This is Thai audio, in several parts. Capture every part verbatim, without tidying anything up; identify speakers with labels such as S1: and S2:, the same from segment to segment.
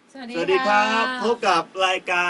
S1: สวัสดี
S2: สวัสดีครับพบกับรายการ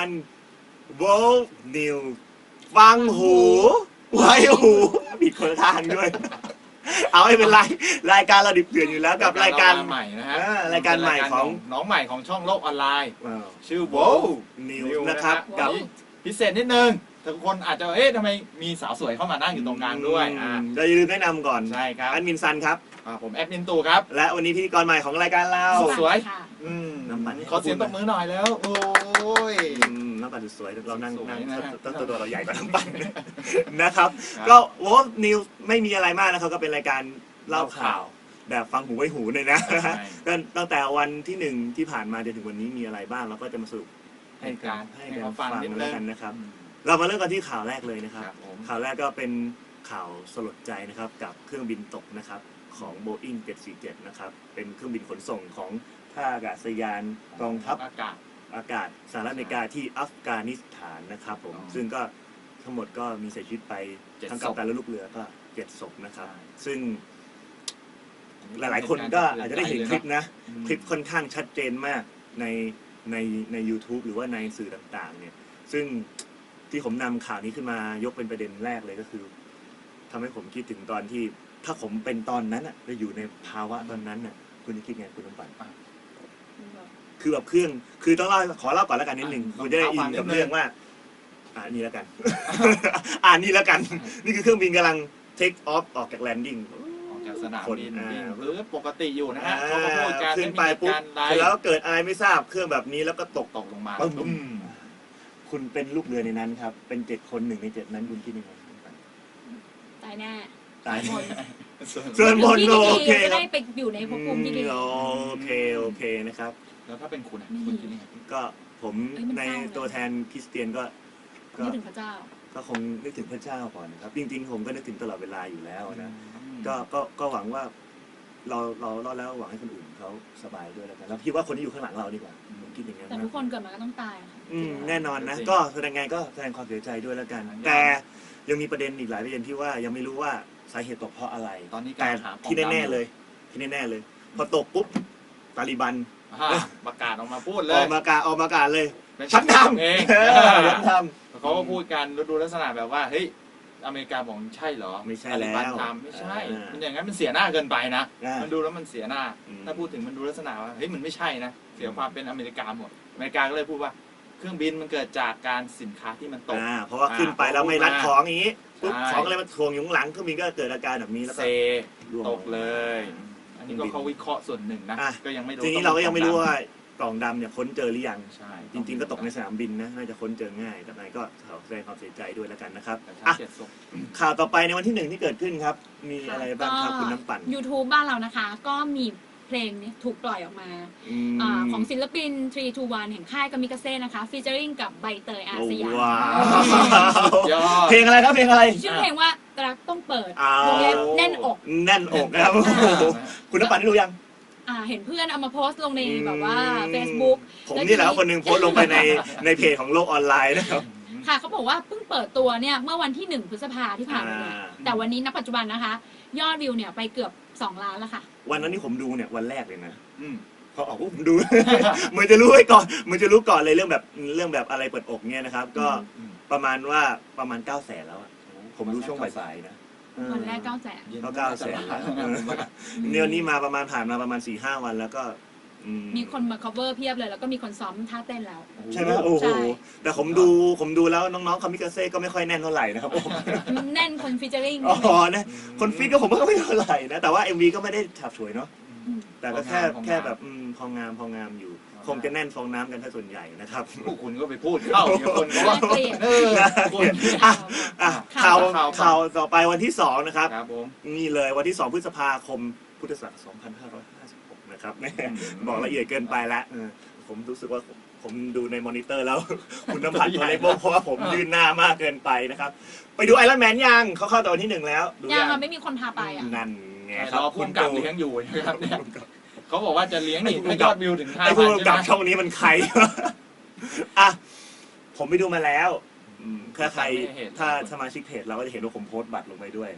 S2: World News ฟังหูไว้หูผิดคนละทางด้วย เอาให้เป็นไรรายการเราดิบเดือนอยู่แล้วกับรายการ
S3: ใหม่นะฮะ
S2: รายการใหม่ของ
S3: น้องใหม่ของช่องโลกออนไลน์ ชื่อ
S2: World
S3: World
S2: News
S3: News
S2: นะครับ
S3: นะ
S2: กับ
S3: พิเศษนิดนึงทุกคนอาจจะเอ๊ะทำไมมีสาวสวยเข้ามานั่งอยู่ตรงกลางด้วยอ่า
S2: เราอย่าลืมแนะนำก่อน
S3: ใช่ครับ
S2: แอดมินซันครับ
S3: อ่าผมแอดมินตูครับ
S2: และวันนี้พิธีกรใหม่ของรายการเรา
S3: สวย
S1: ค่ะ
S3: อืม
S2: น้ำมัน
S3: ขอเสียงตบมือหน่อยแล้ว โอ้ย
S2: อืมน้ำปั่นสวยๆเรานั่ง
S3: สวย
S2: นั่ง
S3: นะฮะ
S2: ต้นตัวเราใหญ่กว่าน้ำปั่นนะครับ
S3: ครับ
S2: ก็ World News ไม่มีอะไรมากนะครับก็เป็นรายการเล่าข่าว แบบฟังหูไว้หูเลยนะ
S3: ใช่
S2: ก็ตั้งแต่วันที่หนึ่งที่ผ่านมาจนถึงวันนี้มีอะไรบ้างเราก็จะมาสรุปให้
S3: ให้
S2: กั
S3: กาน ร
S2: ให้
S3: ให้
S2: กัน
S3: เขาฟั
S2: ฟั
S3: ง
S2: ง
S3: นิดนึ
S2: แล้ว
S3: ง
S2: กันนะครับ
S3: อืม
S2: เรามาเริ่มกันที่ข่าวแรกเลยนะครับ
S3: ครับผม
S2: ข่าวแรกก็เป็นข่าวสลดใจนะครับกับเครื่องบินตกนะครับของ Boeing เจ็ดสี่เจ็ดนะครับเป็นเครื่องบินขนส่งของท่าอากาศยานกองทัพ
S3: อากาศ
S2: อากาศสหรัฐอเมริกาที่อัฟกานิสถานนะครับผม
S3: อ๋อ
S2: ซึ่งก็ทั้งหมดก็มีเสียชีวิตไป
S3: เจ็ด
S2: ทั้ง
S3: ศ
S2: กัป
S3: พ
S2: ตันและลูกเรือก็เจ็ดศพนะครับ
S3: ใช่
S2: ซึ่งหลายๆคนก็อาจจะได้เห็นคลิปนะ
S3: อืม
S2: คลิปค่อนข้างชัดเจนมากในในใน YouTube หรือว่าในสื่อต่างๆ เนี่ย ซึ่งที่ผมนำข่าวนี้ขึ้นมายกเป็นประเด็นแรกเลยก็คือทำให้ผมคิดถึงตอนที่ถ้าผมเป็นตอนนั้นอ่ะจะอยู่ในภาวะตอนนั้นน่ะคุณจะคิดไงคุณน้ำปั่นคือแบบเครื่องคือต้องเล่าขอเล่าก่อนแล้วกันนิดหนึ่ง
S3: อ่ะ
S2: คุณจะได้อินกับ
S3: เอาความนิดนึง
S2: เรื่องว่า อ่านี่แล้วกัน อ่านี่แล้วกัน นี่คือเครื่องบินกำลัง take off ออกจาก landing
S3: ออกจากสนาม
S2: คน
S3: บิน
S2: อ่า
S3: วิ่งหรือปกติอยู่นะฮะเขาก็พูดกัน
S2: ขึ้นไป
S3: ม่มี
S2: ปุ๊บ
S3: การไล
S2: เสร็จ
S3: ฟ์
S2: แล้วเกิดอะไรไม่ทราบเครื่องแบบนี้แล้วก็ตก
S3: ตกลงมา
S2: ปึ้มคุณเป็นลูกเรือในนั้นครับ เป็นเจ็ดคนหนึ่งในเจ็ดนั้นคุณคิดยังไง
S1: ตายแน่
S2: ตาย
S1: หมด
S2: ส่วนบน
S1: ที่
S2: โอ
S1: ดี
S2: เค
S1: จะ
S2: ครั
S1: ได้
S2: บ
S1: ไปอยู่ในภพภูมิที่ดี
S2: อืมโอเคโอเคนะครับ
S3: แล้วถ้าเป็นคุณอะ
S1: ไม่
S3: คุณคิดยังไง
S2: ก็ผม
S1: เอ้ยมัน
S2: ใน
S1: เศร้านะ
S2: ตัวแทนคริสเตียนก็ก็
S1: นึกถึงพระเจ้า
S2: ก็คงนึกถึงพระเจ้าก่อนนะครับ จริงๆ ผมก็นึกถึงตลอดเวลาอยู่แล้วนะ
S3: อืม
S2: ก็ก็ก็หวังว่า เราเราเราแล้วหวังให้คนอื่นเขาสบายด้วยแล้วกันแล้วคิดว่าคนที่อยู่ข้างหลังเราดีกว่าผมคิดอย่างนั้น
S1: แต่
S2: นะ
S1: ทุกคนเกิดมาก็ต้องตายอะค่ะ
S2: อืมแน่นอนนะ ก็แสดงไงก็แสดงความเสียใจด้วยแล้วกัน แต่ยังมีประเด็นอีกหลายประเด็นที่ว่ายังไม่รู้ว่าสาเหตุตกเพราะอะไร
S3: ตอนนี้
S2: แต่
S3: การหาปม
S2: ที่แน่ๆเลย ที่แน่ๆเลย พอตกปุ๊บตาลีบัน
S3: อ่าประกาศออกมาพูดเล
S2: อย อกมากาออกมากาเลย
S3: เป็น
S2: ฉันทำ
S3: เอง
S2: เออฉันท
S3: เขาก็พูดกันดูลักษณะแบบว่าเฮ้ยอเมริกาบอกใช่เหรอ
S2: ไม่ใช่
S3: ตาลิบัน
S2: แล้ว
S3: ทำไม่ใช่
S2: อ่ามั
S3: มันอย่างนั้นมันเสียหน้าเกินไปนะ
S2: อ่ามั
S3: มันดูแล้วมันเสียหน้า
S2: อืม
S3: ถ้าพูดถึงมันดูลักษณะว่าเฮ้ยมันไม่ใช่นะเสียความเป็นอเมริกาหมดอเมริกาก็เลยพูดว่าเครื่องบินมันเกิดจากการสินค้าที่มันตก
S2: อ่าเพราะว่าขึ้นไปแล้วไม่รัดของอย่างนี้ปุ๊บ
S3: ใช่
S2: ของอะไรมาทวงอยู่ข้างหลังเครื่องบินก็เกิดอาการแบบนี้แล้ว
S3: เซ
S2: ก็ร่วง
S3: ตกเลย อันนี้ก็เขาวิเคราะห์ส่วนหนึ่งนะ
S2: อ่ะ
S3: ก็ยังไม่รู้
S2: ทีนี้เราก็ยังไม่รู้ว่ากล่องดำเนี่ยค้นเจอหรือยัง
S3: ใช่
S2: จริง ๆ ก็ตกในสนามบินนะน่าจะค้นเจอง่ายแต่ไหนก็ขอแสดงความเสียใจด้วยแล้วกันนะครับ
S3: แต่
S2: อ่ะ
S3: ถ้าเจ็ดศพ
S2: ข่าวต่อไปในวันที่หนึ่งที่เกิดขึ้นครับ มีอะไรบ้างครับคุณน้ำปั่น
S1: YouTube บ้านเรานะคะ ก็มีเพลงนี้ถูกปล่อยออกมา
S2: อืม
S1: อ่าของศิลปินทรี ทู วันแห่งค่ายกามิกาเซ่นะคะฟีเจอริงกับใบเตยอาสยาม
S2: ว้าว
S3: สุดยอด
S2: เพลงอะไรครับเพลงอะไร
S1: ชื่อเพลงว่ารักต้องเปิด
S2: อ้าว
S1: วงเล็บแน่นอก
S2: แน่นอกนะครับ
S1: อ่า
S2: คุณน้ำปั่นได้ดูยัง
S1: อ่าเห็นเพื่อนเอามาโพสต์ลงในแบบว่า Facebook
S2: ผมนี่แหละคนหนึ่งโพสต์ลงไปในในเพจของโลกออนไลน์นะครับ
S1: ค่ะเขาบอกว่าเพิ่งเปิดตัวเนี่ยเมื่อวันที่หนึ่งพฤษภาที่ผ่านมาเนี่ย
S2: อ่า
S1: แต่วันนี้ณปัจจุบันนะคะ ยอดวิวเนี่ยไปเกือบสองล้านแล้วค่ะ
S2: วันนั้นที่ผมดูเนี่ยวันแรกเลยนะ
S3: อืม
S2: พอออกปุ๊บผมดู เหมือนจะรู้ไว้ก่อนเหมือนจะรู้ก่อนเลยเรื่องแบบเรื่องแบบอะไรเปิดอกเนี่ยนะครับ ก็
S3: อืม
S2: ประมาณว่าประมาณเก้าแสนแล้วอะผมดูช่วงบ่ายๆนะ
S1: วันแรกเก้าแสน
S3: ย็น
S2: ก็เก้าแสนแล้ว
S3: ผมว่า
S2: เนี่ยนี่มาประมาณผ่านมาประมาณสี่ห้าวันแล้วก็อื
S1: มีคนมา cover เพียบเลย แล้วก็มีคนซ้อมท่าเต้นแล้ว
S2: ใช่ไหมโอ้
S1: ใช่
S2: โหแต่ผมดูผมดูแล้วน้องๆคามิกาเซ่ก็ไม่ค่อยแน่นเท่าไหร่นะครับผม
S1: แน่นคนฟีเจอริง
S2: อ๋อนะคนฟิตก็ผมก็ไม่เท่าไหร่นะแต่ว่า เอ็ม วี ก็ไม่ได้ฉาบฉวยเนาะแต่ก็แค่
S3: พองาม
S2: แค่แบบอืมพองามพองามอยู่ คงจะแน่นฟองน้ำกันถ้าส่วนใหญ่นะครับ
S3: พวกคุณก็ไปพูดเข้าเดี๋ยวคนก็ว่า
S1: เกลียด
S3: เออคุณ
S2: อ่ะอ่ะข่าว
S3: ข่าว
S2: ข่าวต่อไปวันที่สองนะครับ
S3: ครับผม
S2: นี่เลยวันที่สองพฤษภาคมพุทธศักราชสองพันห้าร้อยห้าสิบหกนะครับแม่บอกละเอียดเกินไปละเออผมรู้สึกว่าผมผมดูในมอนิเตอร์แล้ว คุณน้ำผัดตัวเล็กเพราะว่าผมยืนหน้ามากเกินไปนะครับ ไปดูไอรอนแมนยังเขาเข้าตอนที่หนึ่งแล้วดู
S1: ยังอะไม่มีคนพาไปอ่ะ
S2: นั่นไงค
S3: ร
S2: รับ
S3: อพุ่มกับเลี้ยงอยู่นะครับเนี่ยเขาบอกว่าจะเลี้ยงนี่ถ้ายอดวิวถึงห้า
S2: ไอ้
S3: พั
S2: ผู้
S3: น
S2: กำ
S3: ใช่
S2: กับ
S3: ไหม
S2: ช่องนี้มันใคร อ่ะผมไปดูมาแล้วอืมถ้าใครถ้าสมาชิกเพจเราก็จะเห็นว่าผมโพสต์บัตรลงไปด้วย
S3: อืม
S2: จ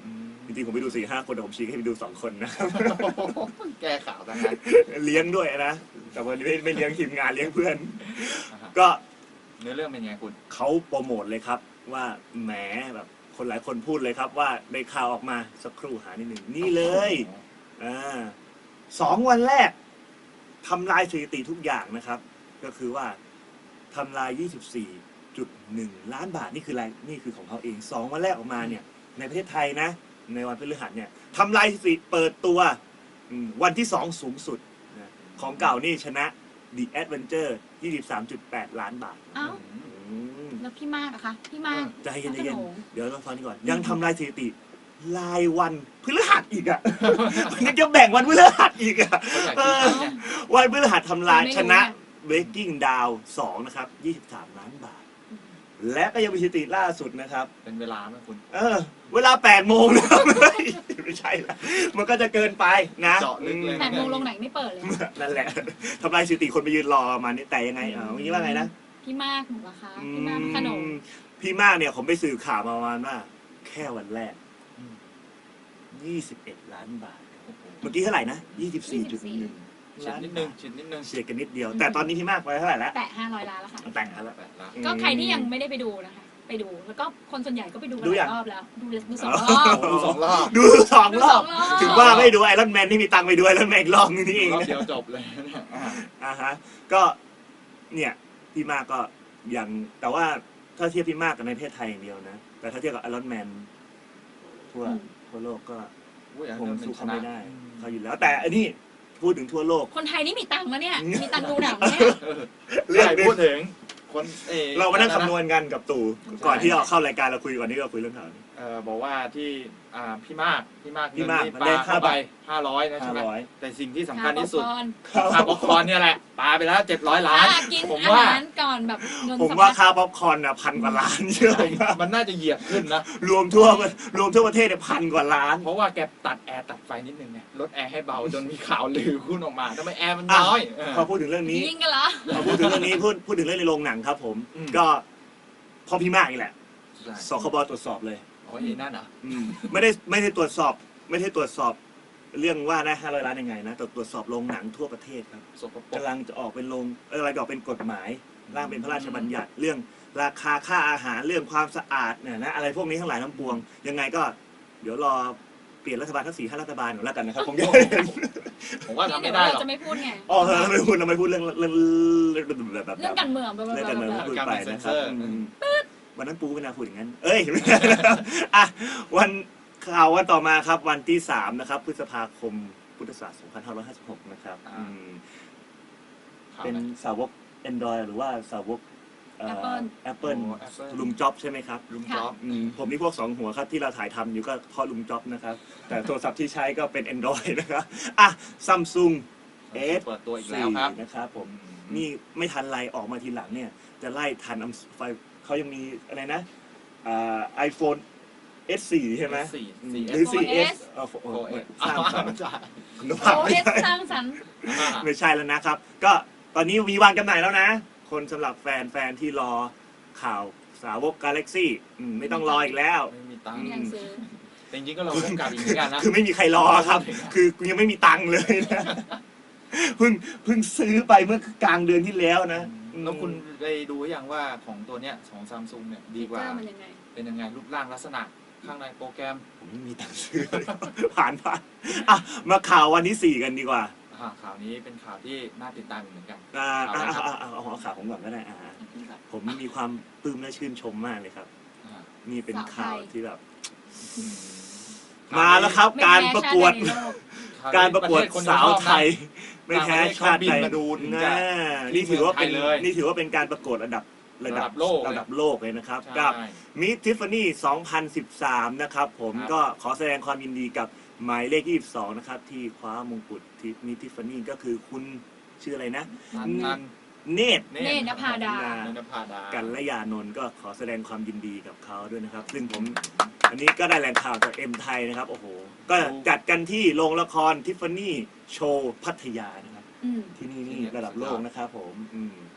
S2: ริงๆผมไปดูสี่ห้าคนแต่ผมชี้ให้ไปดูสองคนนะ
S3: แก้ข่าวทั้งนั้น
S2: เลี้ยงด้วยนะแต่วันนี้ไม่ไม่เลี้ยงทีมงานเลี้ยงเพื่อน
S3: อ่าฮะ
S2: ก็
S3: เนื้อเรื่องเป็นไงคุณ
S2: เขาโปรโมทเลยครับว่าแหมแบบคนหลายคนพูดเลยครับว่าได้ข่าวออกมาสักครู่หานิดหนึ่งนี่เลยอ่าสองวันแรกทำลายสถิติทุกอย่างนะครับ ก็คือว่าทำลาย ยี่สิบสี่จุดหนึ่ง ล้านบาทนี่คืออะไรนี่คือของเขาเองสองวันแรกออกมาเนี่ยในประเทศไทยนะ ในวันพฤหัสเนี่ยทำลายสถิติเปิดตัวอืมวันที่สองสูงสุดนะของเก่านี่ชนะ The Adventure ยี่สิบสามจุดแปด ล้านบาท
S1: เอ้า
S2: อืม
S1: แล้วพี่มากอะคะพี่มาก
S2: ใจเย็น
S1: พระ
S2: ใจเย็น
S1: โขง
S2: เดี๋ยวเราฟังนี่ก่อน ยังทำลายสถิติรายวันพฤหัสอีกอ่ะ ยังจะแบ่งวันพฤหัสอีกอ่ะ
S3: เขาอยากคิดเนี่ย
S2: วันพฤหัสทำลาย
S1: ไม่รู้
S2: ชนะ
S1: นะ
S2: Breaking Down สองนะครับยี่สิบสาม ล้านบาท และก็ยังมีสถิติล่าสุดนะครับ
S3: เป็นเวลาไหมคุณ
S2: เออ เวลาแปดโมงนะครับ ไม่ใช่ละมันก็จะเกินไปนะ
S3: เจาะลึกเลย
S1: แปดโมงลงไหนไม่เปิดเลย
S2: นั่นแหละทำลายสถิติคนไปยืนรอมานี่แต่ยังไงเออเมื่อกี้ว่าไงนะ
S1: พี่มากหนูเหรอคะพี่มากขนม
S2: อืมพี่มากเนี่ยผมไปสืบข่าวมาประมาณว่า แค่วันแรก
S3: อืม
S2: ยี่สิบเอ็ด ล้านบาท
S3: โอ้โห
S2: เมื่อกี้เท่าไหร่นะ ยี่สิบสี่จุดหนึ่ง
S3: ชิดนิดนึงชิดนิดนึง
S2: เฉียดกันนิดเดียว แต่ตอนนี้พี่มากไปเท่าไหร่แล้ว
S1: แตะห้าร้อยล้านแล้วค่ะ
S2: แต่งแล้ว
S3: แปดล้าน
S1: ก็ใครที่ยังไม่ได้ไปดูนะคะ ไปดู แล้วก็คนส่วนใหญ่ก็ไปดูกัน
S2: ดู
S1: ห
S2: ยั
S1: ลาง ยรอบแล้ว ดูดูสอง
S2: อ๋อ
S1: รอบ
S3: ดูสองรอบ
S2: ดูสองรอบ
S1: ดูสองรอบ
S2: ถึงว่าไม่ดูไอรอนแมนที่มีตังค์ไปดูไอรอนแมนอีกรอบนึงนี่เอง
S3: รอบ
S2: นะ
S3: เดียวจบเลยเนี่ยอ่า
S2: อ่าฮะ ก็เนี่ยพี่มากก็ยังแต่ว่าถ้าเทียบพี่มากกับในประเทศไทยอย่างเดียวนะ แต่ถ้าเทียบกับไอรอนแมนทั่วทั่วโลกก็
S3: อุ้ยอัน
S2: คง
S3: นั้นเป็น
S2: สู้
S3: ช
S2: เขา
S3: นะ
S2: ไม่ได้เขาอยู่แล้ว แต่อันนี้พูดถึงทั่วโลก
S1: คนไทยนี่มีตังค์แล้วเนี่ย มีตังค์ดูหนังเนี่ย
S3: เออ
S2: เรื่อง
S3: ใช่
S2: หนึ่ง
S3: พูดถึงคนเออ
S2: เรามานั่งคำนวณกันกับตู่
S3: ใช่
S2: ก่อนที่เราเข้ารายการเราคุยก่อนที่เราคุยเรื่องข่าวนี้
S3: เออบอกว่าที่อ่าพี่มากพี่มาก
S2: พี่มาก
S3: เงิน
S2: มัน
S3: ป
S2: ได้
S3: ลา
S2: ค่า
S3: เข้า
S2: บั
S3: ไป
S2: ตร
S3: ห้าร้อยนะใช่
S2: ห้า
S3: ไหม
S2: ร้อย
S3: แต่สิ่งที่สำคัญที่สุด
S1: ค่า
S3: ค่าป๊อปคอร์นเนี่ยแหละปาไปแล้วเจ็ดร้อยล้าน
S1: อ่ะกิน
S3: ผม
S1: อา
S3: ว่า
S1: หารก่อนแบบเงิน
S2: ผม
S1: สำ
S2: ว่า
S1: คัญ
S2: ค่าป๊อปคอร์นอ่ะพันกว่าล้านเชื่อผมว่า
S3: มันน่าจะเหยียบขึ้นนะ
S2: รวมทั่วรวมทั่วประเทศเนี่ยพันกว่าล้าน
S3: เพราะว่าแกตัดแอร์ตัดไฟนิดนึงไงลดแอร์ให้เบาจนมีข่าวลือขึ้นออกมาทำไมแอร์มันน้อยเออ
S2: พอพูดถึงเรื่องนี้
S1: ยิงกันเหรอ
S2: พอพูดถึงเรื่องนี้พูดพูดถึงเรื่องในโรงหนังครับผม
S3: อืม
S2: ก็พอพี่มากนี่แหละ
S3: ใช่
S2: สคบตรวจสอบเลย
S3: โอ้ยนั่นเหรอ
S2: อืมไม่ได้ไม่ได้ตรวจสอบ ไม่ได้ตรวจสอบเรื่องว่าได้ห้าร้อยล้านยังไงนะแต่ตรวจสอบโรงหนังทั่วประเทศครับ
S3: สกปรก
S2: กำลังจะออกเป็นโรงเอออะไรจะออกเป็นกฎหมายร่างเป็นพระราชบัญญัติเรื่องราคาค่าอาหารเรื่องความสะอาดเนี่ยนะอะไรพวกนี้ทั้งหลายทั้งปวง ยังไงก็เดี๋ยวรอเปลี่ยนรัฐบาลทั้งสี่ห้ารัฐบาลหนูแล้วกันนะครับผมจะได้เห็น
S3: ผมว่าทำ
S1: เดี๋
S3: ไม่
S1: ยว
S3: ได้หร
S1: เรา
S3: อก
S1: จะไม่พูดไง
S2: อ๋อเออเราไม่พูดเราไม่พูดเรื่องเรื่องเรื่องแบบ
S1: เรื่องการเมืองแบบ
S2: เรื่องการเมือง
S1: แบบ
S2: พูด
S3: การ
S2: ไป
S3: เป็นเซ็
S2: นะ
S3: น
S2: ค
S3: เซ
S2: รับ
S3: อร์
S2: อืมวันนั้นปูไม่น่าพูดอย่างนั้น เอ้ย ไม่ใช่นะครับอ่ะวันข่าววันต่อมาครับ วันที่สามนะครับ พฤษภาคมพุทธศักราชสองพันห้าร้อยห้าสิบหกนะครับ
S3: อ่า
S2: อืม
S3: ข่าว
S2: เป็น
S3: ไหน
S2: สาวก Android หรือว่าสาวกเอ่อ
S1: Apple
S2: Apple
S3: โอ้ Apple
S2: ลุงจ็อบใช่ไหมครับ
S3: ลุงจ๊อบ
S2: อืมผมนี่พวกสองหัวครับที่เราถ่ายทำอยู่ก็เพราะลุงจ็อบนะครับ แต่โทรศัพท์ที่ใช้ก็เป็น Android นะครับอ่ะซัมซุง เอส
S3: เปิดตัวอีกแล้วครับ
S2: นะครับผม นี่ไม่ทันไรออกมาทีหลังเนี่ย จะไล่ทันอัมไฟเขายังมีอะไรนะอ่าไอโฟน เอส โฟร์ ใช่ไหม
S3: สี่
S2: อืม
S3: สี่
S2: หรือ
S1: โฟน
S2: โฟร์ เอส
S1: S
S2: เออโฟ
S3: โอ้
S2: เอ
S3: ย
S2: สร้างสรรค์คุณภาพ
S1: โอ
S2: ไม่
S1: เอส
S2: ใช่
S1: สร้างสรรค์
S2: ไม่ใช่แล้วนะครับ ก็ตอนนี้มีวางจำหน่ายแล้วนะ คนสำหรับแฟนแฟนที่รอข่าวสาวก Galaxy อืมไม่ต้องรออีกแล้ว
S3: ไม่มีตังค์
S1: มีหนังสือ
S3: แต่จริงๆก็เราพบกับอีกเหมือนกันนะ
S2: คือไม่มีใครรอครับ คือกูยังไม่มีตังค์เลยนะ เพิ่งเพิ่งซื้อไปเมื่อกลางเดือนที่แล้วนะ
S3: แล้วคุณได้ดูอย่างว่าของตัวเนี้ยของซัมซุงเนี่ยดีกว่า
S1: เจอมันยังไง
S3: เป็นยังไงรูปร่างลักษณะข้างในโปรแกรม
S2: ผมไม่มีตังค์ซื้อ ผ่านผ่านอ่ะมาข่าววันที่สี่กันดีกว่า
S3: อ่าข่าวนี้เป็นข่าวที่น่าติดตามเหมือนกัน
S2: อ่า
S3: เอา
S2: อ่า
S3: ละครับ
S2: อ่าอ่าเอาเอาข่าวผมก่อนก็ได้อ่าผมมีความปลื้มและชื่นชมมากเลยครับ
S3: อ่า
S2: นี่เป็นข่าวที่แบบ
S3: อืม
S2: มาแล้วครับ
S1: ไม่
S2: การ
S1: แพ้
S2: ประกวด
S1: ชาติใดในโลก
S2: การประกวด
S3: เทศคน
S2: สาว
S3: ชอบนะ
S2: ไทย ไม่แพ้ชาติใด
S3: ต่างประเทศเขาบินมาดูถึงจะ
S2: น่านี่ถือว่าเป็น
S3: ที่เมืองไทยเลย
S2: นี่ถือว่าเป็นการประกวดระดับระดับ
S3: ระดับโลกเลย
S2: ระดับโลกเลยนะครับ
S3: ใช่
S2: กับมิสทิฟฟานี่สองพันสิบสามนะครับผม
S3: ครับ
S2: ก็ขอแสดงความยินดีกับหมายเลขยี่สิบสองนะครับที่คว้ามงกุฎที่มิสทิฟฟานี่ก็คือคุณชื่ออะไรนะ
S3: นันนัน
S2: เนตร
S1: เนตรนภาดา
S3: เนตรนภาดา
S2: กันและยานนท์ก็ขอแสดงความยินดีกับเขาด้วยนะครับ ซึ่งผมอันนี้ก็ได้แหล่งข่าวจากเอ็มไทยนะครับโอ้โหก็จัดกันที่โรงละครทิฟฟานี่โชว์พัทยานะครับ
S1: อืม
S2: ที่นี่นี่ระดับโลกนะครับผมอืม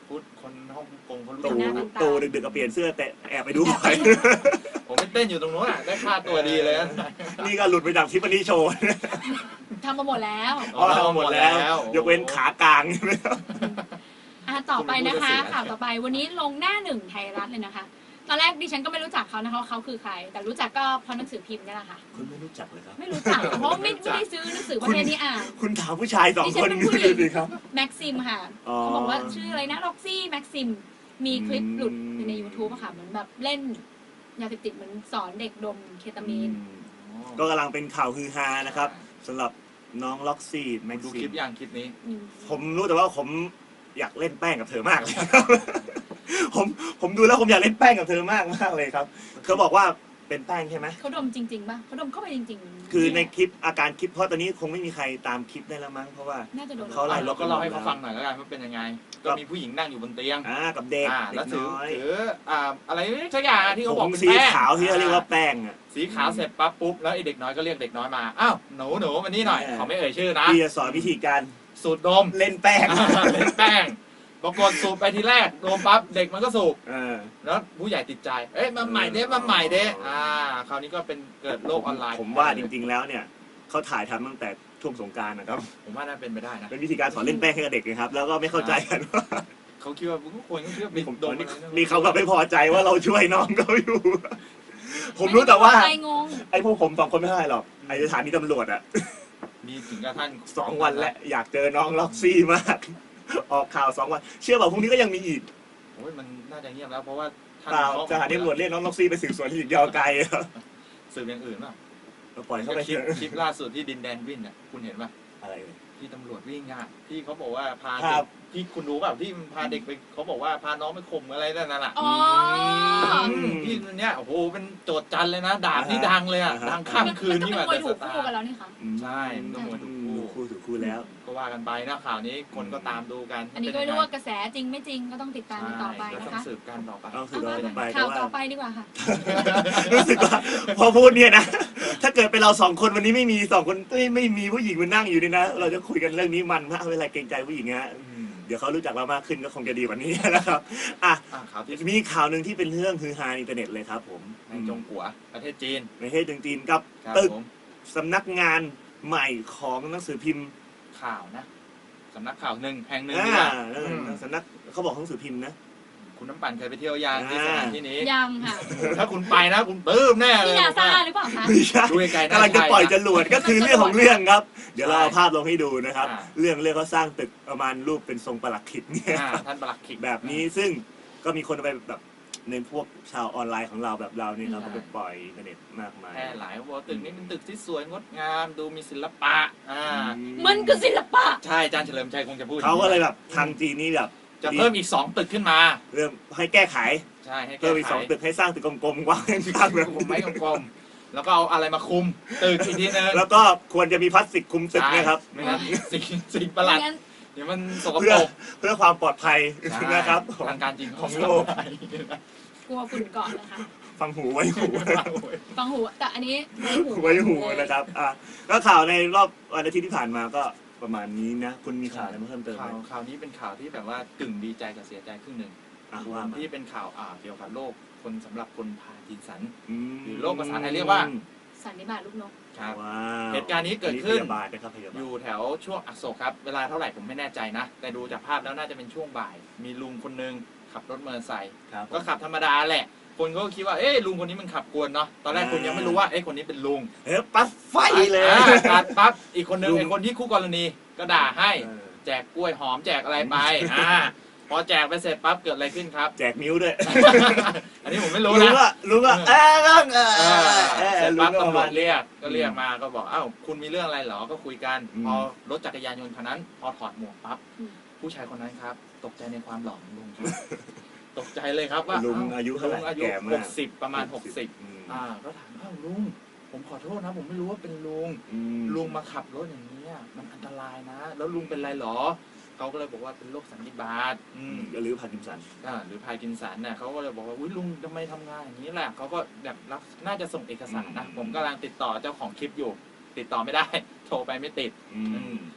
S3: พุทธคนฮ่องกงเขารู้
S2: ตู่
S3: จักนะ
S2: ตู่ดึกๆก็เปลี่ยนเสื้อแต่แอบไปดูบ่อย
S3: ผมไปเต้นอยู่ตรงนู้นอ่ะได้ค่าตัวดีเลยนะ
S2: นี่ก็หลุดไปจากทิฟฟานี่โชว์
S1: ทำมาหมดแล้ว
S2: อ๋อทำหมดแล้ว ยกเว้นขากลางใช่ไหมครับ
S1: อ่ะต่อไปนะคะข่าวต่อไปวันนี้ลงหน้าหนึ่งไทยรัฐเลยนะคะ ตอนแรกดิฉันก็ไม่รู้จักเขานะคะว่าเขาคือใคร แต่รู้จักก็เพราะหนังสือพิมพ์นี่แหละค่ะ
S2: คุณไม่รู้จักเลยครับ
S1: ไม่รู้จักเพราะไม่ไม่ได้ซื้อหนังสือประเภทนี้อ่าน
S2: คุณถามผู้ชายสอง
S1: ดิฉั
S2: คน
S1: นเป็น
S2: นี้
S1: ผู้หญิง
S2: ดีครับ
S1: แม็กซิมค่ะ
S2: อ๋อ
S1: เขาบอกว่าชื่ออะไรนะล็อกซี่แม็กซิมมีคลิปหลุดอยู่ใน YouTube อะค่ะเหมือนแบบเล่นยาเสพติดเหมือนสอนเด็กดมเคตามีน
S2: ก็กำลังเป็นข่าวฮือฮานะครับสำหรับน้องล็อกซี่แม็ก
S3: ดู
S2: ซิ
S3: คลิ
S2: ม
S3: ปอย่างคลิปนี้
S2: ผมรู้แต่ว่าผมอยากเล่นแป้งกับเธอมากเลย ผมผมดูแล้วผมอยากเล่นแป้งกับเธอมากมากเลยครับเขาบอกว่าเป็นแป้งใช่ไหม
S1: เขาดมจริงๆป่ะเขาดมเข้าไปจริงๆ
S2: คือในคลิปอาการคลิปเพราะตอนนี้คงไม่มีใครตามคลิปได้แล้วมั้งเพราะว่า
S1: น่าจะโดน
S2: เขาไล่
S3: เราก็เล่าให้เขาฟังหน่อยแล้วกันว่าเป็นยังไง ก็มีผู้หญิงนั่งอยู่บนเตียง
S2: อ่ากับเด็ก
S3: อ่า
S2: เด็
S3: แล้ว
S2: ก
S3: ถือ
S2: น้อย
S3: ถืออ่าอะไรสักอย่างที่เขาบอก
S2: ผ
S3: เป็น
S2: สี
S3: แป้ง
S2: ขาวที่เขาเรียกว่าแป้งอ่ะ
S3: สีขาวเสร็จปั๊บปุ๊บแล้วไอเด็กน้อยก็เรียกเด็กน้อยมาอ้าวหนูหนูมานี่หน่อย
S2: เออ
S3: เขาไม่เอ่ยชื่อนะ
S2: ที่จะสอนวิธีการ
S3: สูดดม
S2: เล่นแป้ง
S3: เล่นแป้งปรากฏสูบไปทีแรกดมปั๊บเด็กมันก็สูบ
S2: เออ
S3: แล้วผู้ใหญ่ติดใจเอ๊ะมาใหม่เด้มาใหม่เด้อ่าคราวนี้ก็เป็นเกิดโลกออนไลน์
S2: ผมว่าจริงๆแล้วเนี่ยเขาถ่ายทำตั้งแต่ช่วงสงกรานต์นะครับ
S3: ผมว่าน่าเป็นไปได้นะ
S2: เป็นวิธีการสอนเล่นแป้งให้กับเด็กนะครับ แล้วก็ไม่เข้าใจกันว่า
S3: เขาคิดว่าทุกคนก็คิดว่า
S2: มี
S3: เป็น
S2: ผม
S3: ด
S2: ตอ
S3: ม
S2: นนี้
S3: อะไรนะ
S2: มีเขาแบบไม่พอใจว่าเราช่วยน้องเขาอยู่ ผมรู้แต่ว่า
S1: ใจงง
S2: ไอ้พวกผมสองคนไม่เท่าไหร่หรอกไอ้สถานีตำรวจอะ
S3: มีถึงกระทั่ง
S2: สองวันแล้วอยากเจอน้องล็อกซี่มาก ออกข่าวสองวัน เชื่อเปล่าพรุ่งนี้ก็ยังมีอีก
S3: โอ้ยมันน่าจะเงียบแล้วเพราะว่าท่าน
S2: เปล่า
S3: เขา
S2: สถานีตำรวจเรียกน้องล็อกซี่ไปสืบสวนที่อีกยาวไกลครับ
S3: สืบอย่างอื่นป่ะ
S2: เราปล่อยเข้าไป
S3: คลิ
S2: เถ
S3: ป
S2: อะ
S3: คลิปล่าสุดที่ดินแดนวิ่งเนี่ยคุณเห็นป่ะ
S2: อะไรเลย
S3: ที่ตำรวจวิ่งอ่ะที่เขาบอกว่าพา
S2: ครั
S3: เด็
S2: บ
S3: กที่คุณรู้เปล่าที่พาเด็กไปเขาบอกว่าพาน้องไปข่มอะไรนั่นน่ะ
S1: อ๋อ
S2: ม
S3: ที่เนี่ยโอ้โหเป็นโจทย์จันเลยนะดาบที่
S2: อ่าฮะ
S3: ดังเลยอ่ะ
S2: อ่าฮะ
S3: ดังข้ามคืน
S1: มัน
S3: นี่
S1: ก็
S3: แบบ
S1: เป็นมวยถูก
S3: เดอะสตา
S1: คู่
S3: ร์
S1: กันแล้วนี่ค่ะ
S3: ใช่มันต้องมวยถูกคู่
S2: คู่ถูกคู่แล้ว
S3: ก็ว่ากันไปนะข่าวนี้คนก็ตามดูกัน
S1: อันนี้ก็ไม่รู้ว่ากระแสจริงไม่จริงก็ต้องติดตามกันต่อไป
S3: ก็
S1: นะ
S3: ต้อง
S1: คะ
S3: สืบกันต่อไป
S2: ต้องสืบ
S1: เอา
S2: ต่อ
S1: มา
S2: ไป
S1: ข่าว
S2: แต่ว่า
S1: ต่อไปดีกว่าค่ะ
S2: รู้สึกว่าพอพูดเนี่ยนะ ถ้าเกิดเป็นเราสองคนวันนี้ไม่มีสองคนไม่ไม่มีผู้หญิงมานั่งอยู่นี่นะ เราจะคุยกันเรื่องนี้มันมากเวลาเกรงใจผู้หญิงฮะ
S3: อืม
S2: เดี๋ยวเขารู้จักเรามากขึ้นก็คงจะดีกว่านี้นะครับอ่ะ
S3: อ่ะข่าวที่
S2: มีข่าวหนึ่งที่เป็นเรื่องฮือฮาในอินเทอร์เน็ตเลยครับผม
S3: ในจงกัวประเทศจีน
S2: ในประเทศจีนกับ
S3: ครับ
S2: ตึก
S3: ผม
S2: สำนักงานใหม่ของหนังสือพิมพ์
S3: ข่าวนะสำนักข่าวหนึ่งแห่งหนึ่ง
S2: อ่า
S3: ดีกว่า
S2: เออ
S3: อืม
S2: สำนักเขาบอกหนังสือพิมพ์นะ
S3: คุณน้ำปั่นเคยไปเที่ยวยางที่สถานที่นี้
S1: ยังค่ะ
S3: ถ้าคุณไปนะคุณปลื้มแน่เล
S1: ที่
S3: ย
S1: นาซาหรือเปล่าคะ
S2: ไม่ใช่
S3: ดูไกลๆน่าก
S2: ำลังจะปล่อยจรวดก็คือเรื่องของเรื่องครับ เดี๋ยวเราเอา
S3: ใช่
S2: ภาพลงให้ดูนะครับ
S3: อ่า
S2: เรื่องเรื่องเขาสร้างตึกประมาณรูปเป็นทรงปลักขิดเนี่ย
S3: อ่าท่านประหลัดขิก
S2: แบบนี้ซึ่งก็มีคนเอาไปแบบในพวกชาวออนไลน์ของเราแบบเราเนี่ยครับ
S3: ใช่
S2: ก็ไปปล่อยอินเทอร์เน็ตมากมาย
S3: แพร่หลายว่าตึกนี้เป็นตึกที่สวยงดงามดูมีศิลปะอ่า
S1: มันคือศิลปะ
S3: ใช่อาจารย์เฉลิมชัยคงจะพูด
S2: เขาก็เลยแบบทางจีนนี่แบบ
S3: จะเพิ่มอีกสองตึกขึ้นมา
S2: เรื่องให้แก้ไข
S3: ใช่ให้แก้
S2: เพิ่มอีก
S3: ไข
S2: สองตึกให้สร้างตึกกลมๆกว้างข้างๆแบบ
S3: ผมไม้กลมๆแล้วก็เอาอะไรมาคุมตึกอีกทีนึง
S2: แล้วก็ควรจะมีพลาสติกคลุมตึกนะครับ
S3: ไม่งั้นสิ่งสิ่งประหลาด
S1: ไม่งั้น
S3: เดี๋ยวมันสก
S2: เพื่
S3: ป
S2: อ
S3: รก
S2: เพื่อความปลอดภัย
S3: ใช่
S2: นะครับของ
S3: ทางการจริง
S2: ของโลก
S1: กลัวฝุ่นเกาะนะคะ
S2: ฟังหูไว้หู
S1: ฟังหูแต่อันนี้ไว้หู
S2: ไว้หูนะครับอ่ะก็ข่าวในรอบวันอาทิตย์ที่ผ่านมาก็ประมาณนี้นะ คุณมีข่าวอะไรมาเพิ่มเติมไห
S3: ข่าม วข่าวนี้เป็นข่าวที่แบบว่ากึ่งดีใจกับเสียใจครึ่งหนึ่ง
S2: อ่ะว่ามา
S3: ที่เป็นข่าวอ่าเกี่ยวกับโรคคนสำหรับคนพาร์กินสัน
S2: ม
S3: หรือโรคภาษาไทยเรียกว่า
S1: สันนิบาตลูกนก
S3: ครับ
S2: ว้าว
S3: เหตุการณ์นี้เกิดขึ้น
S2: พยาบาลนะครับพยาบาล
S3: อยู่แถวช่วงอโศกครับ เวลาเท่าไหร่ผมไม่แน่ใจนะ แต่ดูจากภาพแล้วน่าจะเป็นช่วงบ่าย มีลุงคนหนึงขับรถมอเตอร์ไซค์
S2: ครับ
S3: ก็ขับธรรมดาแหละ คนก็คิดว่าเอ๊ะลุงคนนี้มันขับกวนเนาะตอนแรกคุณยังไม่รู้ว่าเอ๊ะคนนี้เป็นลุง
S2: เฮ้ยปั๊บไฟเลย
S3: อ่าตัดปั๊บอีกคนนึง
S2: ลุง
S3: ไอ้คนที่คู่กรณีก็ด่าให้
S2: เออ
S3: แจกกล้วยหอมแจกอะไรไปอ่าพอแจกไปเสร็จปั๊บเกิดอะไรขึ้นครับ
S2: แจกนิ้วด้วย
S3: อันนี้ผมไม่รู้
S2: ลุง
S3: นะ
S2: ก็ลุงก็เออลุงเออ
S3: เออ
S2: เออ
S3: เสร็จ
S2: ลุ
S3: ปั๊
S2: ง
S3: บ
S2: ก็ประ
S3: ตำร
S2: มาว ณ
S3: จเรียกก็เรียกมาก็บอกอ้าวคุณมีเรื่องอะไรเหรอก็คุยกัน
S2: อืม
S3: พอรถจักรยานยนต์คันนั้น พอถอดหมวกปั๊บ
S1: อืม
S3: ผู้ชายคนนั้นครับ ตกใจในความหล่อของลุงครับ ตกใจเลยครับว่า
S2: ลุง
S3: เ
S2: อายุเท่าไหร่
S3: ลุงอายุ
S2: แก่
S3: ห
S2: มาก
S3: กสิบประมาณหกสิบ
S2: อืม
S3: อ่าก็ถามอ้าวลุงผมขอโทษนะ ผมไม่รู้ว่าเป็นลุง
S2: อืม
S3: ลุงมาขับรถอย่างนี้ยมันอันตรายนะ แล้วลุงเป็นไรเหรอเขาก็เลยบอกว่าเป็นโรคสันนิบาตอืม
S2: หรือพาร์กินสัน
S3: อ่าหรือพาร์กินสันเนี่ยเขาก็เลยบอกว่าอุ้ยลุงทำไมทำงานอย่างนี้แหละเขาก็แบบรับน่าจะส่งเอกสารนะ
S2: อืม
S3: ผมกำลังติดต่อเจ้าของคลิปอยู่ ติดต่อไม่ได้ โทรไปไม่ติด
S2: อืม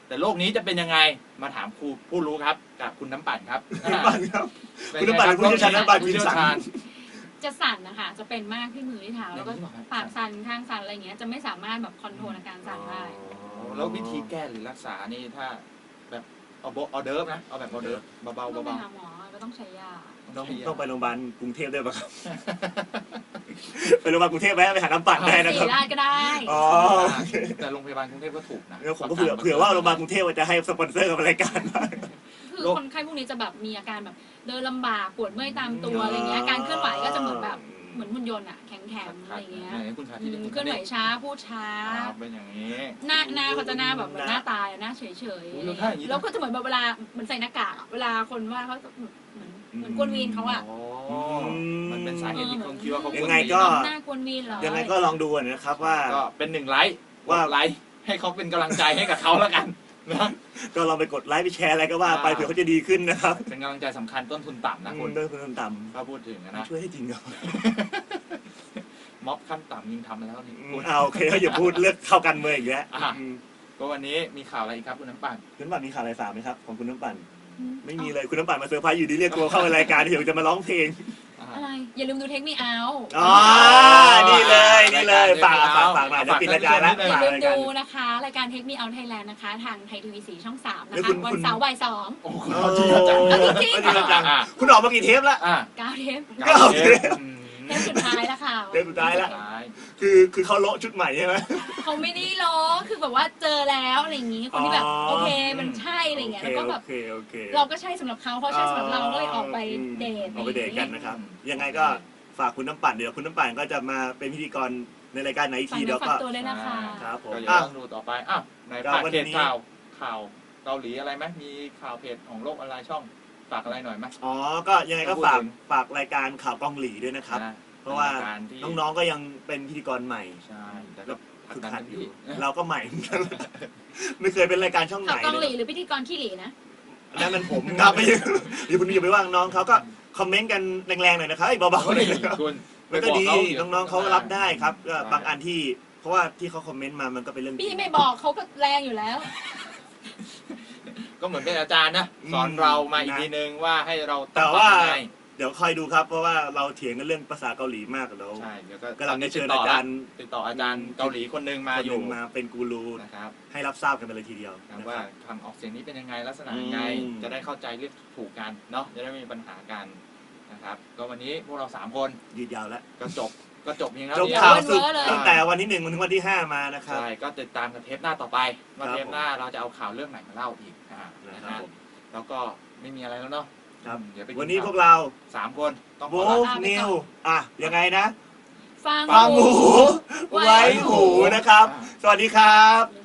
S3: แต่โลกนี้จะเป็นยังไงมาถามครูผู้รู้ครับกับคุณน้ำปั่นครับ
S2: คุณน้ำปั่นครับ
S3: เป็
S2: คุณน้ำปั่นเป็นผู้เชี่ยวชาญน้ำปั่น
S3: ผู้เชี่ยวชาญ
S1: จะสั่นนะคะจะเป็นมากที่มือที่เท้าแล้วก็
S3: อย่างนี้เหรอครับ
S1: ปากสั่นข้างสั่นอะไรอย่างเงี้ยจะไม่สามารถแบบคอนโทรลอาการสั่นได้
S3: แล้ววิธีแก้หรือรักษานี่ถ้าแบบเอาโบออเดิร์ฟนะเอาแบบออเดิร์ฟเบาๆ
S1: ต้องไป
S3: เบา
S1: หาหมอก็ต้องใช้ยา
S3: ๆ
S2: ต้อง
S3: ใช้ยา
S2: ต้องไปโรงพยาบาลกรุงเทพด้วยป่ะครับ ไปโรงพยาบาลกรุงเทพไหมไปหาน้ำปั่นได้นะ
S1: สี
S2: ครับ
S1: ราชก็ได้
S2: อ๋อ
S3: แต่โรงพยาบาลกรุงเทพก็ถูกนะ
S2: เดี๋ยวผมก็เผื่อเผื่อว่าโรงพยาบาลกรุงเทพจะให้สปอนเซอร์กับรายการบ้าง
S1: คือคนไข้พวกนี้จะแบบมีอาการแบบเดินลำบากปวดเมื่อยตามตัวอะไรเงี้ยการเคลื่อนไหวก็จะเหมือนแบบเหมือนหุ่นยนต์อะแข็งๆอะไรเงี้ย
S3: ไหนคุณสาธิ
S1: อื
S3: ต
S1: ม
S3: คุณ
S1: เคลื่อนไหวช้าพูดช้า
S3: อ่าเป็นอย่างนี้
S1: หน้าหน้าเขาจะหน้าแบบเหมือนหน้าตายอะหน้าเฉยๆ
S3: โอ้
S1: อะไร
S3: ยแล้วถ้าอ
S1: เงี้
S3: ย่างนี้
S1: ยแล้วก็จะเหมือนแบบเวลาเหมือนใส่หน้ากากอะเวลาคนว่าเขาจะเหมือนเหมือนกวนวีนเขาอะ
S3: อ๋อมันเป็นสาเหตุที่คนคิดว่าเขา
S2: ยังไงก็
S1: หน้ากวนวีนเหรอ
S2: ยังไงก็ลองดูนะครับว่า
S3: ก็เป็นหนึ่งไลค์
S2: ว่า
S3: ว่าไลค์ให้เขาเป็นกำลังใจให้กับเขาแล้วกันนะ
S2: ก็ลองไปกดไลค์ไปแชร์อะไรก็ว่าไปเผื่อเขาจะดีขึ้นนะครับ
S3: เป็นกำลังใจสำคัญต้นทุนต่ำนะ
S2: อื
S3: คุ
S2: ม
S3: ณ
S2: ด้วยคุณต่ำ
S3: ถ้าพูดถึงนะ
S2: ช่วยให้จริงครับ
S3: ม็อบขั้นต่ำยิงทำมาแล้วนี่คุณ
S2: เอาโอเคเขาอย่าพูดเลือกเข้ากันเมืองอีกแล้ว
S3: อ่ะ
S2: อืม
S3: ก็วันนี้มีข่าวอะไรอีกครับคุณน้ำปั่น
S2: คุณน้ำปั่นมีข่าวอะไรฝากไหมครับของคุณน้ำปั่น
S1: อื
S2: ไม่มีเลยคุณน้ำปั่นมาเซอร์ไพรส์อยู่ดีเรียกตัวเข้าในรายการเดี๋ยวจะมาร้องเพลง
S3: อ่า
S1: อะไรอย่าลืมดูเทคมีเอา
S2: อ๋อ นี่เลยนี่เลยฝากฝากฝากหน่อยจะปิดรายการแล้ว
S1: อย่า
S2: ฝาก
S1: ลืม
S2: รายการ
S1: ดูนะคะรายการเทคมีเอาไทยแลนด์นะคะ ทางไทยทีวีสีช่องสามนะ
S2: แล้ว
S1: คะ
S2: คุณ
S1: วัน
S2: คุณ
S1: เสาร์บ่ายสอง
S3: โอ้คุณ
S2: โอ้
S3: เอาจริงเอาจัง
S1: เอาจริง
S2: เอาจริงเอาจัง
S3: อ่ะ
S2: คุณออกมากี่เทปแล้ว
S3: อ่ะ
S1: เก้าเทป
S2: เก้าเทป
S3: อืม
S1: เทปสุดท้ายแล้วค่ะ
S2: เทปสุดท้ายแล้ว
S3: ท้าย
S2: คือคือเขาโละชุดใหม่ใช่ไหม
S1: เขาไม่ได้ล้อคือแบบว่าเจอแล้วอะไรอย่างงี้คนที่แบบ
S2: อ๋อ
S1: โอเคมันใช่อะไรอย่างเงี้ยแล้วก็แบบ
S2: โอเคโอเค
S1: เราก็ใช่สำหรับเขาเขาใช่สำหรับเราก็เลยออกไปเดท
S2: ออกไปเดทกันนะครับ ยังไงก็ฝากคุณน้ำปั่นเดี๋ยวคุณน้ำปั่นก็จะมาเป็นพิธีกรในรายการไหนอีก
S1: ฝาก
S2: ที
S1: เนื้
S2: เดี๋
S1: อ
S2: ยว
S1: ฝา
S2: ก็
S1: กตัวด้วยนะคะ
S2: ครับผม
S3: ก็อย่า
S2: อ้าว
S3: ต้องดูต่อไปอ้าวใน
S2: ก็
S3: ภาค
S2: วัน
S3: เพ
S2: นี้
S3: จข่าวข่าวเกาหลีอะไรไหมมีข่าวเพจของโลกออนไลน์ช่องฝากอะไรหน่อยไหม
S2: อ๋อ ก็ยังไงก็
S3: พูด
S2: ฝาก
S3: ถึง
S2: ฝากรายการข่าวกองหลีด้วยนะครับ
S3: นะ
S2: เพราะว่า
S3: ป็ยกที่
S2: น้องๆก็ยังเป็นพิธีกรใหม่
S3: ใช่แต่ก็ผลัก
S2: ฝึก
S3: ดัน
S2: หัด
S3: เต็ม
S2: อยู่
S3: ที่
S2: เราก็ใหม่ ไม่เคยเป็นรายการช่องไหน
S1: ข่าวกองห
S2: เล
S1: ลี
S2: ย
S1: หรือพิธีกรขี้หลีนะ
S2: นั่นมันผมครับไม่ใช่อย่าคุณอย่าไปว่างน้องเขาก็คอมเมนต์กันแรงๆหน่อยนะครับเอ้ยเบาๆหน่อยนะครับ
S3: คุณ
S2: มันก็ดี
S3: ไปบเขา
S2: น้องๆเขารับได้ครับก็
S3: ใช่
S2: บางอันที่เพราะว่าที่เขาคอมเมนต์มามันก็เป็นเรื่องจริ
S1: พี่
S2: ง
S1: ไม่บอกเขาก็แรงอยู่แล้ว
S3: ก็เหมือนเป็นอาจารย์นะ
S2: อืม
S3: สอนเรามาอีก
S2: นะ
S3: ทีนึงว่าให้เรา
S2: แต่
S3: อง
S2: ว่า
S3: ปรับยังไง
S2: เดี๋ยวคอยดูครับ เพราะว่าเราเถียงกันเรื่องภาษาเกาหลีมากแล้ว
S3: ใช่เดี๋ยวก็
S2: กำลังจะเชิญ
S3: ติดต่
S2: อาจารย์
S3: ติดต่ออาจารย์เกาหลีคนหนึ่งมา
S2: คน
S3: อ
S2: ห
S3: ยู่
S2: นึ่งมาเป็นกูรู
S3: นะครับ
S2: ให้รับทราบกันไปเลยทีเดียว
S3: นะ
S2: นะค
S3: ว่า
S2: รับ
S3: คำออกเสียงนี้เป็นยังไงลักษณะยังไง
S2: อืม
S3: จะได้เข้าใจเรียกถูกกันเนาะจะได้ไม่มีปัญหากันนะครับ ก็วันนี้พวกเราสามคน
S2: ยืดยาวแล้ว
S3: ก็จบก็จบเพียงเท่า
S2: จบ
S3: นี้
S2: ข่าว
S1: เดี๋ยว
S2: สุด
S1: เว้นเลย
S2: ตั้งแต่วันที่หนึ่งถึงวันที่ห้ามานะครับ
S3: ใช่ก็ติดตามกันเทปหน้าต่อไปว่า
S2: ครับ
S3: เทปหน้าเราจะเอาข่าวเรื่องไหนมาเล่าอีกอ่านะ
S2: นะค
S3: ค
S2: รั
S3: รั
S2: บบ ผม
S3: แล้วก็ไม่มีอะไรแล้วเนาะ
S2: ครับ
S3: เดี๋ยวไป
S2: วันนี้
S3: ข่
S2: พวกเรา
S3: สามคนต้องข
S2: โบ
S3: อลา
S1: ลาไปก่อน
S2: นิวอ่ะยังไงนะ
S1: ฟัง
S2: ฟังหู
S1: ไว้
S2: ไว้หูนะครับ สวัสดีครับ